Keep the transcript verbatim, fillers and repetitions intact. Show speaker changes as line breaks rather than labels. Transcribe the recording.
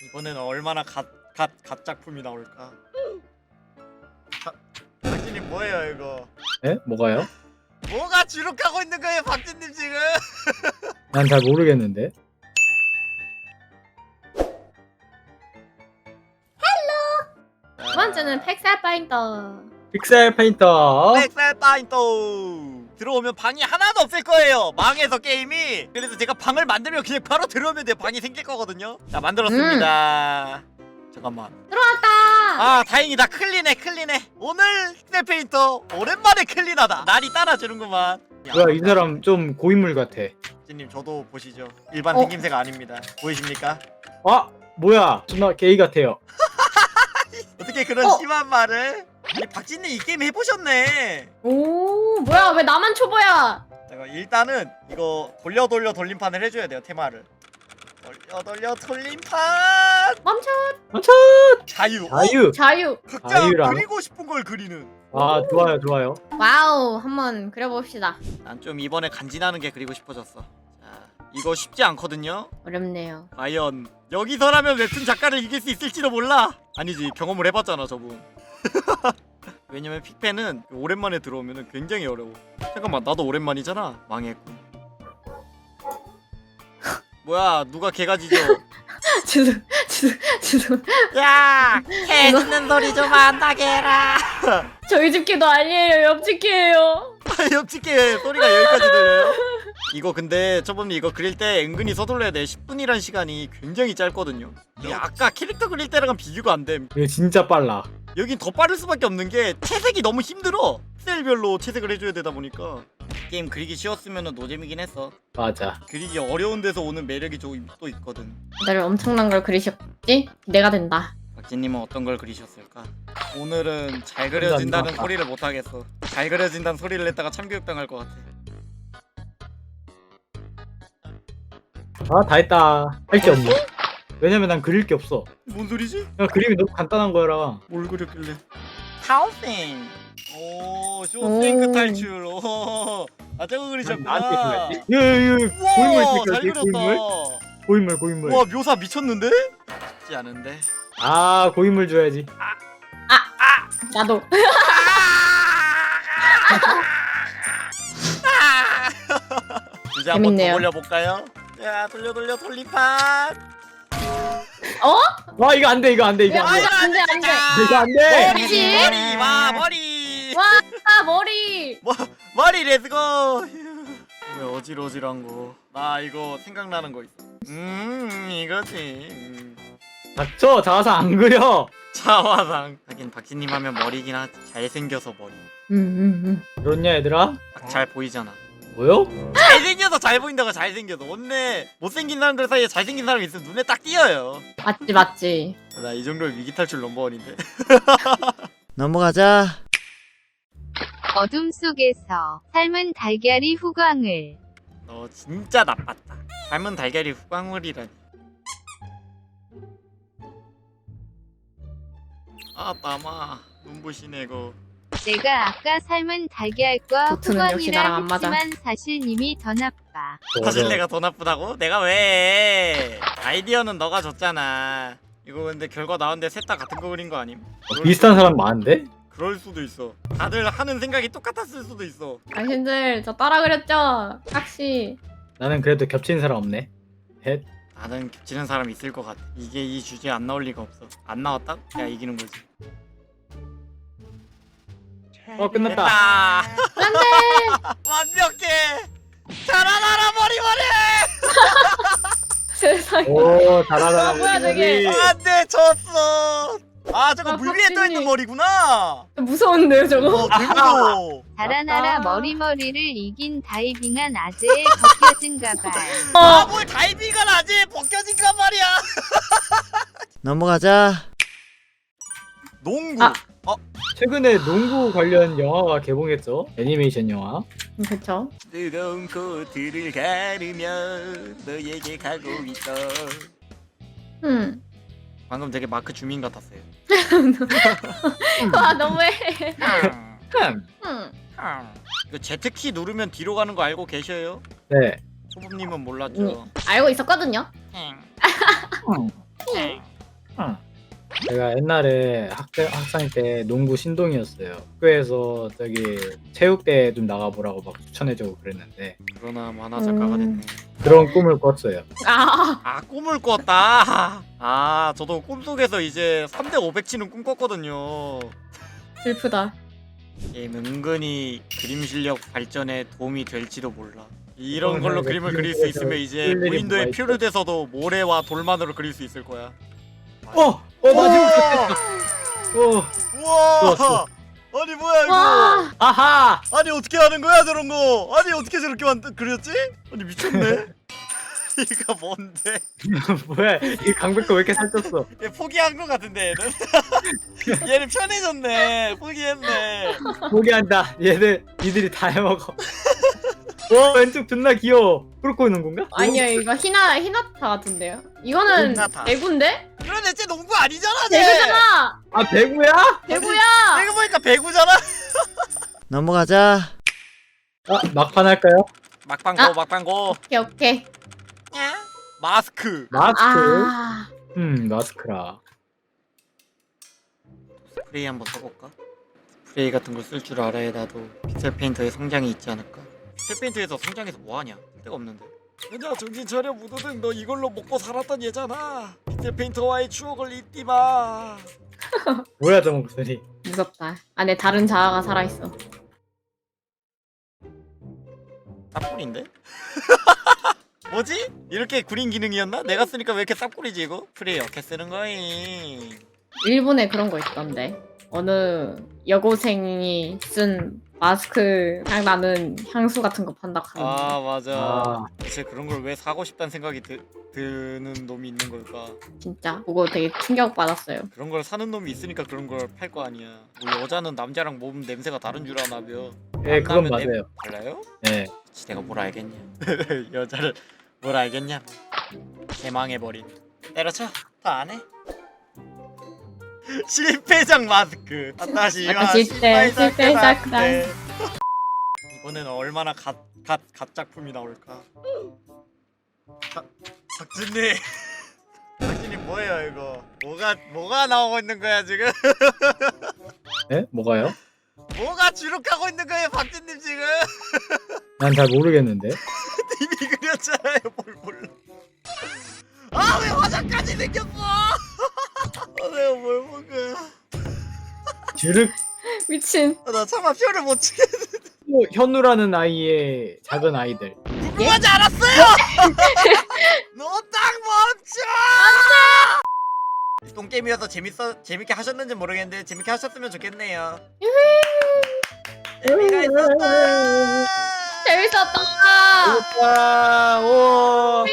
이번에는 얼마나 갓갓 갓작품이 나올까? 박진님 뭐예요 이거?
에? 뭐가요?
뭐가 주룩하고 있는 거예요 박진님 지금?
난 잘 모르겠는데.
두 번째는 팩셀 파인더.
픽셀 페인터.
엑셀 파인터 들어오면 방이 하나도 없을 거예요. 망해서 게임이. 그래서 제가 방을 만들면 그냥 바로 들어오면 돼요. 방이 생길 거거든요. 자 만들었습니다. 음. 잠깐만.
들어왔다.
아 다행이다. 클린해 클린해. 오늘 엑셀 페인터 오랜만에 클린하다. 날이 따라주는구만.
뭐야 이 사람 좀 고인물 같아.
님 저도 보시죠. 일반
어?
생김새가 아닙니다. 보이십니까?
아 뭐야 존나 게이 같아요.
어떻게 그런
어?
심한 말을? 아니 박진님 이 게임 해보셨네.
오 뭐야 왜 나만 초보야?
잠깐 일단은 이거 돌려 돌려 돌림판을 해줘야 돼요. 테마를 돌려 돌려 돌림판.
멈춰.
멈춰.
자유.
자유.
자유.
어? 각자
자유라.
그리고 싶은 걸 그리는.
아 좋아요 좋아요.
와우 한번 그려봅시다.
난 좀 이번에 간지나는 게 그리고 싶어졌어. 자 이거 쉽지 않거든요.
어렵네요.
과연 여기서라면 웹툰 작가를 이길 수 있을지도 몰라. 아니지 경험을 해봤잖아 저분. 왜냐면 픽펜은 오랜만에 들어오면 굉장히 어려워. 잠깐만 나도 오랜만이잖아. 망했군. 뭐야 누가 개가지죠?
죄송 죄송 죄송.
야! 개 짖는 소리 좀 안 나게 해라.
저희 집 개도 아니에요. 옆집 개예요.
옆집 개 소리가 여기까지 들려요? 이거 근데 저번에 이거 그릴 때 은근히 서둘러야 돼. 십 분이란 시간이 굉장히 짧거든요. 이게 아까 캐릭터 그릴 때랑 비교가 안 됨.
이거 진짜 빨라.
여긴 더 빠를 수밖에 없는 게 채색이 너무 힘들어. 셀별로 채색을 해줘야 되다 보니까 게임 그리기 쉬웠으면 노잼이긴 했어.
맞아.
그리기 어려운 데서 오는 매력이 좀 또 있거든.
다들 엄청난 걸 그리셨지? 기대가 된다.
박진님은 어떤 걸 그리셨을까? 오늘은 잘 그려진다는 소리를 못 하겠어. 잘 그려진다는 소리를 했다가 참교육 당할 것 같아.
아 다 했다. 할 게 없네. 왜냐면 난 그릴 게 없어.
뭔 소리지?
그냥 그림이 너무 간단한 거라.
뭘 그렸길래? 타오생. 오, 쇼생크
오.
탈출. 오, 아 저거 그리셨구나.
나한테 줘야지. 예예 고인물
우와,
찍혀야지.
잘 그렸다.
고인물. 고인물 고인물.
와 묘사 미쳤는데? 쉽지 않은데.
아 고인물 줘야지.
나도.
주제 한번 더
재밌네요.
올려볼까요? 자 돌려 돌려 돌림판.
어?
와 이거 안돼 이거 안돼 이거
야,
안돼.
안 돼, 안 돼.
이거 안돼.
머리
그치?
머리 와 머리.
와 머리.
머리 렛츠고. 왜 어질어질한 거? 나 이거 생각나는 거 있어. 음 이거지. 음.
닥쳐 자아상 안 그려.
차화상. 하긴 박진님 하면 머리긴 하지. 잘생겨서 머리.
음음 음.
그렇냐 얘들아?
딱 잘 보이잖아.
뭐요?
잘생겨서 잘 보인다고. 잘생겨서. 원래 못생긴 사람들 사이에 잘생긴 사람이 있으면 눈에 딱 띄어요.
맞지 맞지.
나 이 정도면 위기탈출 넘버원인데. 넘어가자.
어둠 속에서 삶은 달걀이 후광을.
너 진짜 나빴다. 삶은 달걀이 후광물이라니. 아 땀아 눈부시네 이거.
내가 아까 삶은 달걀과
도트는 역시 나랑 안
후광이라
맞아.
했지만 사실 님이 더 나빠.
사실 내가 더 나쁘다고? 내가 왜? 아이디어는 너가 줬잖아. 이거 근데 결과 나왔는데 셋 다 같은 거 그린 거 아님?
어, 비슷한 사람 많은데?
그럴 수도 있어. 다들 하는 생각이 똑같았을 수도 있어.
당신들 저 따라 그렸죠? 확시.
나는 그래도 겹치는 사람 없네. 헷.
나는 겹치는 사람 있을 것 같아. 이게 이 주제에 안 나올 리가 없어. 안 나왔다? 내가 이기는 거지.
어 끝났다.
됐다.
안돼.
완벽해. 자라나라 머리머리.
세상에.
오 잘하다.
아, 뭐야, 저게.
안돼 졌어. 아 저거
아,
물 위에 떠 있는
박진님.
머리구나.
무서운데요 저거?
어 되무서워.
달아나라
맞다.
머리머리를 이긴 다이빙한 아재의 벗겨진 가발.
아뭘 다이빙을 하지? 벗겨진가 말이야. 넘어가자. 농구.
아.
최근에 농구 관련 영화가 개봉했죠. 애니메이션 영화.
음, 그쵸.
뜨거운 코트를 가르며 너에게 가고 있어.
음.
방금 되게 마크 주민 같았어요.
와 너무해.
흠.
음.
이거 Z키 누르면 뒤로 가는 거 알고 계셔요?
네.
초보님은 몰랐죠.
알고 있었거든요.
제가 옛날에 학생 학생 때 농구 신동이었어요. 학교에서 저기 체육대회 좀 나가보라고 막 추천해주고 그랬는데
그러나 만화 작가가 됐네.
그런 꿈을 꿨어요.
아,
아 꿈을 꿨다. 아 저도 꿈속에서 이제 삼 대 오백 치는 꿈 꿨거든요.
슬프다.
게임 은근히 그림 실력 발전에 도움이 될지도 몰라. 이런
어,
걸로
네,
그림을
네,
그릴 수
그림에서
있으면 이제
쓸 일이
무인도에
뭐가
표류 돼서도 모래와 돌만으로 그릴 수 있을 거야.
어! 어 마지막 됐다. 어
우와!
좋았어.
아니 뭐야 이거?
와,
아하!
아니 어떻게 하는 거야 저런 거? 아니 어떻게 저렇게 만들 그렸지? 아니 미쳤네. 이거 뭔데?
뭐야 이 강백호 왜 이렇게 살쪘어?
얘 포기한 거 같은데 얘는. 얘는 편해졌네. 포기했네.
포기한다. 얘들 니들이 다 해먹어. 와 왼쪽 존나 귀여워. 뚫고 있는 건가?
아니요 이거 히나 히나타 같은데요. 이거는
히나타.
대구인데?
그런데 쟤 농구 아니잖아 쟤.
대구잖아.
아 배구야?
대구야.
내가 보니까 배구잖아. 넘어가자.
아 막판 할까요?
막방고
아.
막방고.
오케이 오케이.
마스크.
마스크.
아,
음 마스크라.
스프레이 한번 써볼까? 스프레이 같은 걸 쓸 줄 알아야 나도 픽셀 페인터의 성장이 있지 않을까? 픽셀 페인터에서 성장해서 뭐하냐? 쓸데가 없는데. 그냥 정신 차려 무도등 너 이걸로 먹고 살았던 얘잖아. 픽셀 페인터와의 추억을 잊지 마.
뭐야 저 목소리.
무섭다. 안에 다른 자아가 살아있어.
쌉꿀인데? 뭐지? 이렇게 구린 기능이었나? 내가 쓰니까 왜 이렇게 쌉꿀이지 이거? 프레이 이렇게 쓰는 거임.
일본에 그런 거 있던데. 어느 여고생이 쓴 마스크 향 나는 향수 같은 거 판다 하는데.
아 맞아.
아
대체 그런 걸 왜 사고 싶다는 생각이 드, 드는 놈이 있는 걸까?
진짜 그거 되게 충격 받았어요.
그런 걸 사는 놈이 있으니까 그런 걸 팔 거 아니야. 뭐 여자는 남자랑 몸 냄새가 다른 줄 아나며.
예 그건
만나면
맞아요.
달라요?
예.
지 내가 뭘 알겠냐? 여자를 뭘 알겠냐? 개망해버린. 때려쳐. 다 안 해. 실패작 마스크. 다시
약간 실패, 실패 작가.
이번에는 얼마나 갓갓 갓 작품이 나올까? 박 박진님. 박진님 뭐예요 이거? 뭐가 뭐가 나오고 있는 거야 지금?
예? 뭐가요?
뭐가 주룩하고 있는 거예요 박진님 지금?
난 잘 모르겠는데.
이미 그렸잖아요 뭘 몰라. 아 왜 화장까지 생겼어? 아 내가 뭘 먹어?
주륵
미친.
아, 나 차마 표를 못 치겠네.
현우라는 아이의 작은 아이들.
궁금하지 않았어요? 너 딱 멈춰! 안돼! 똥게임이어서 재밌어 재밌게 하셨는지 모르겠는데 재밌게 하셨으면 좋겠네요. 재미가 있었다.
재밌었다.
와, 오.